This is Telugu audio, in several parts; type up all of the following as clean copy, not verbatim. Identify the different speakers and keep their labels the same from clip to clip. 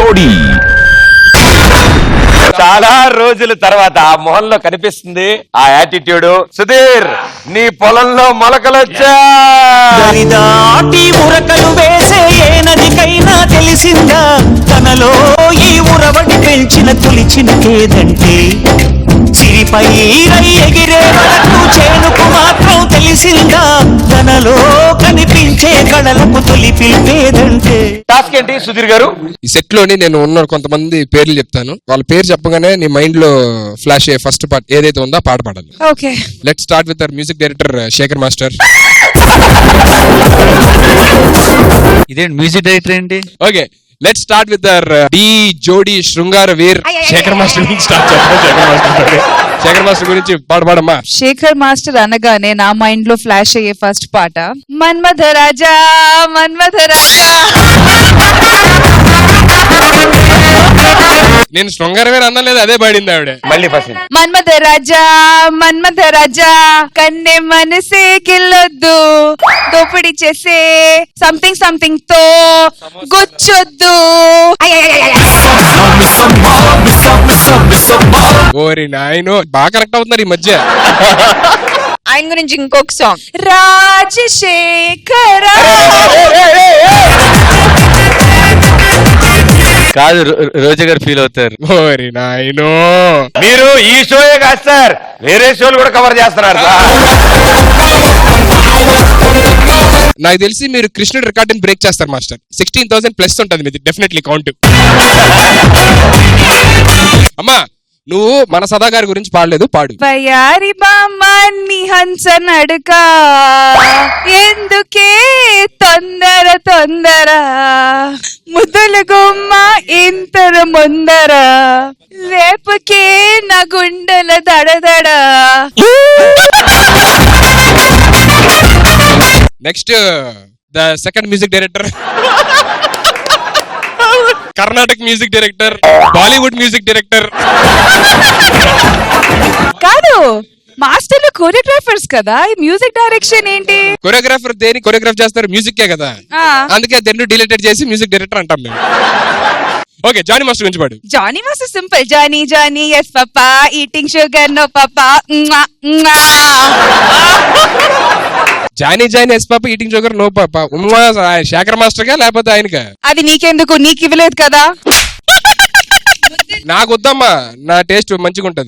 Speaker 1: జోడీ.
Speaker 2: చాలా రోజుల తర్వాత ఆ మొహంలో కనిపిస్తుంది ఆ యాటిట్యూడ్. సుధీర్, నీ పొలంలో మొలకలొచ్చా.
Speaker 3: దాటి ఉరకలు వేసే ఏ నదికైనా తెలిసిందా తనలో ఈ ఉరవడి పెంచిన తొలిచిన కేదంటే చిరిపై ఎగిరే వరకు చేనుకు మాత్రం తెలిసిందా తనలో కనిపించే కళలకు తొలి పిలిపేదంటే.
Speaker 2: టాస్క్ ఏంటి సుధీర్ గారు?
Speaker 4: ఈ సెట్ లోని నేను ఉన్న కొంతమంది పేర్లు చెప్తాను, వాళ్ళ పేరు చెప్పగానే నీ మైండ్ లో ఫ్లాష్ అయ్యే ఫస్ట్ పార్ట్ ఏదైతే ఉందో పాట పాడాలి.
Speaker 5: Okay,
Speaker 4: let start with our music director Shekhar master.
Speaker 6: ఇదేంటి మ్యూజిక్ డైరెక్టర్ ఏంటి?
Speaker 4: Okay, let start with our the jodi Shringara Veer Shekhar master గురించి స్టార్ట్ చేద్దాం. శేఖర్ మాస్టర్ గురించి పాడమ్మా.
Speaker 5: శేఖర్ మాస్టర్ అనగానే నా మైండ్ లో ఫ్లాష్ అయ్యే ఫస్ట్ పాట మన్మథ రాజా మన్మథ రాజా.
Speaker 4: నేను శృంగార వీర్ అన్నలేదు, అదే పాడింది ఆవిడ.
Speaker 2: మళ్ళీ ఫస్ట్.
Speaker 5: మన్మథ రాజా మన్మథ రాజా కన్నె మనసే కిల్లొద్దు దోపిడి చేసే సంథింగ్ సంథింగ్ తో గుచ్చొద్దు.
Speaker 4: ఓరి నాయనో, బాగా కరెక్ట్ అవుతున్నారు ఈ మధ్య.
Speaker 5: ఆయన గురించి ఇంకొక సాంగ్ రాజశేఖర.
Speaker 6: కాదు, రోజా గారు ఫీల్ అవుతారు.
Speaker 4: ఓరి నాయనో,
Speaker 2: మీరు ఈ షోయే కాదు సార్, వేరే షోలు కూడా కవర్ చేస్తున్నారు.
Speaker 4: నాకు తెలిసి మీరు కృష్ణుడు రికార్డుని బ్రేక్ చేస్తారు మాస్టర్. 16,000 ప్లస్ ఉంటుంది మీది డెఫినెట్లీ కౌంట్. అమ్మా, నువ్వు మన సదా గారి గురించి పాడలేదు, పాడు.
Speaker 5: వయారి బామ్మాన్ని హంస నడుక ఎందుకే తొందర తొందర ముద్దుల గుమ్మ ఇంతర ముందర రేపుకే నా గుండెల దడదడ.
Speaker 4: Next the second music director, Karnataka music director, Bollywood music director.
Speaker 5: కాదు, మాస్టర్లు కోరియోగ్రాఫర్స్ కదా, ఈ మ్యూజిక్ డైరెక్షన్ ఏంటి?
Speaker 4: కొరియోగ్రాఫర్ దేని కొరియోగ్రాఫ్ చేస్తారు? మ్యూజిక్ కదా, అందుకే రెండు డిలీటెడ్ చేసి మ్యూజిక్ డైరెక్టర్ అంటాం మేము. ఓకే, జానీ మాస్టర్ గురించి పాడు.
Speaker 5: Johnny master simple. Johnny Johnny yes papa eating sugar no papa.
Speaker 4: Johnny Johnny yes papa eating sugar no papa. Shekhar master గా లేకపోతే ఆయనకా?
Speaker 5: అది నీకెందుకు, నీకు ఇవ్వలేదు కదా.
Speaker 4: నాకు వద్దమ్మా, నా టేస్ట్ మంచిగా ఉంటది.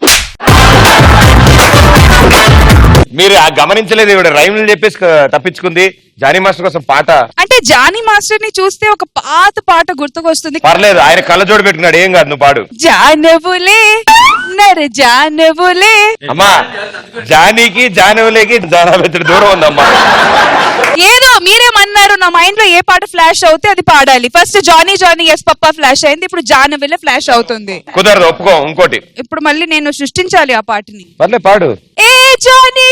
Speaker 2: మీరు ఆ గమనించలేదు, ఇవిడ రైమ్లు చెప్పేసి తప్పించుకుంది. జానీ మాస్టర్ కోసం పాట
Speaker 5: అంటే జానీ మాస్టర్ ని చూస్తే ఒక పాత పాట గుర్తుకొస్తుంది.
Speaker 2: పర్లేదు, ఆయన కళ్ళజోడు పెట్టుకున్నాడు, ఏం కాదు, నువ్వు పాడు.
Speaker 5: జానవులే నర జానవులే.
Speaker 2: అమ్మా, జానీకి జానవులేకి జానవెత్తడి దూరం ఉందమ్మా.
Speaker 5: ఏదో మీరేమన్నారు, నా మైండ్ లో ఏ పాట ఫ్లాష్ అవుతే అది పాడాలి. First Johnny Johnny yes papa flash అయింది, ఇప్పుడు జానవులే ఫ్లాష్ అవుతుంది.
Speaker 2: కుదరదు, ఒప్పుకో. ఇంకోటి
Speaker 5: ఇప్పుడు మళ్ళీ నేను సృష్టించాలి ఆ పాటని.
Speaker 2: పర్లే, పాడు.
Speaker 5: ఏ జానీ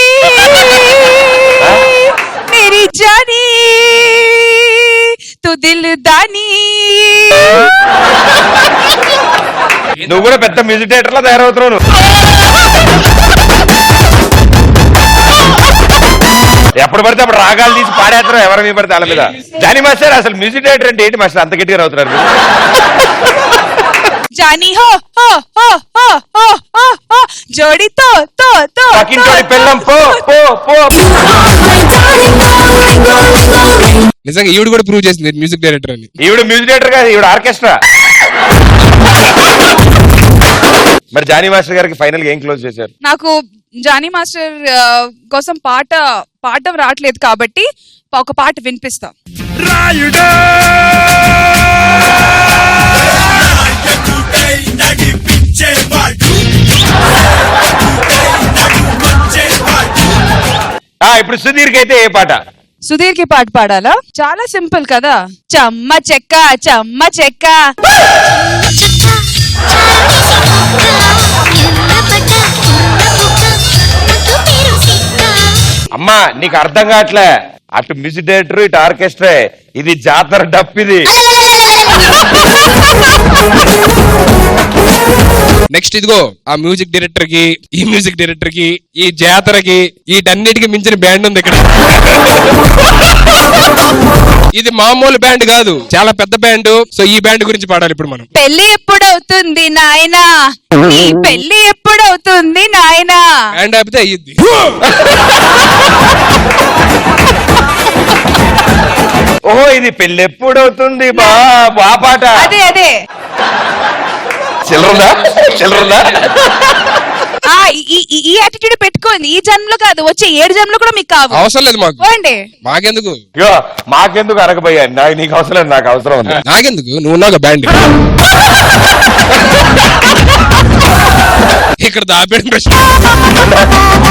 Speaker 5: మేరీ జానీ తు దిల్ దానీ.
Speaker 2: నువ్వు కూడా పెద్ద మ్యూజిక్ డైరెక్టర్ లా తయారవుతున్నావు. ఎప్పుడు పడితే అప్పుడు రాగాలు తీసి పాడేస్తారు, ఎవరి మీద పడితే వాళ్ళ మీద. జానీ మాస్టర్, అసలు మ్యూజిక్ డైరెక్టర్ అంటే ఏంటి మాస్టర్, అంత గట్టిగా అవుతున్నారు?
Speaker 5: జానీ హో హో హో హో హో హో హో జోడి తో తో తో
Speaker 2: పక్కింటోడి పెళ్ళం పో పో పో.
Speaker 4: నిజంగా ఈవిడ కూడా ప్రూవ్ చేసింది మ్యూజిక్ డైరెక్టర్ అని.
Speaker 2: ఈవిడ మ్యూజిక్ డైరెక్టర్ కాదు, ఈవిడ ఆర్కెస్ట్రా. మరి జానీ మాస్టర్ గారికి ఫైనల్ గా ఏం క్లోజ్ చేశారు?
Speaker 5: నాకు జానీ మాస్టర్ కోసం పాడడం రావట్లేదు కాబట్టి ఒక పాట వినిపిస్తా.
Speaker 2: ఇప్పుడు సుధీర్ కి అయితే ఏ పాట?
Speaker 5: సుధీర్ కి పాట పాడాలా? చాలా సింపుల్ కదా. చెమ్మ చెక్క చెమ్మ చెక్క.
Speaker 2: అమ్మా, నీకు అర్థం కావట్లే. అటు మ్యూజిక్ డైరెక్టర్, ఇటు ఆర్కెస్ట్రా. ఇది జాతర డప్. ఇది
Speaker 4: నెక్స్ట్ ఇదిగో ఆ మ్యూజిక్ డైరెక్టర్ కి, ఈ మ్యూజిక్ డైరెక్టర్ కి, ఈ జాతరకి, వీటన్నిటికి మించిన బ్యాండ్ ఉంది ఇక్కడ. ఇది మామూలు బ్యాండ్ కాదు, చాలా పెద్ద బ్యాండ్. సో ఈ బ్యాండ్ గురించి పాడాలి ఇప్పుడు మనం.
Speaker 5: పెళ్లి ఎప్పుడవుతుంది నాయనా, నీ పెళ్లి ఎప్పుడవుతుంది నాయనా.
Speaker 4: బ్యాండ్ ఆపితే అయ్యిద్ది.
Speaker 2: ఓహో ఇది పెళ్ళి ఎప్పుడవుతుంది బా ఆ పాట.
Speaker 5: అదే అదే
Speaker 2: చిల్లరుందా
Speaker 5: ఆ ఈ యాటిట్యూడ్ పెట్టుకోండి. ఈ జన్మలో కాదు, వచ్చే 7 జన్మలో కూడా మీకు కావు.
Speaker 4: అవసరం లేదు మాకు.
Speaker 5: పోండి.
Speaker 4: మాకెందుకు?
Speaker 2: ఇగో మాకెందుకు అరగబోయా, నీకు అవసరం లేదు, నాకు అవసరం ఉంది.
Speaker 4: నాకెందుకు? నువ్వు ఉన్నావు బ్యాండ్. ఇక్కడ దాపేయడం ప్రశ్న.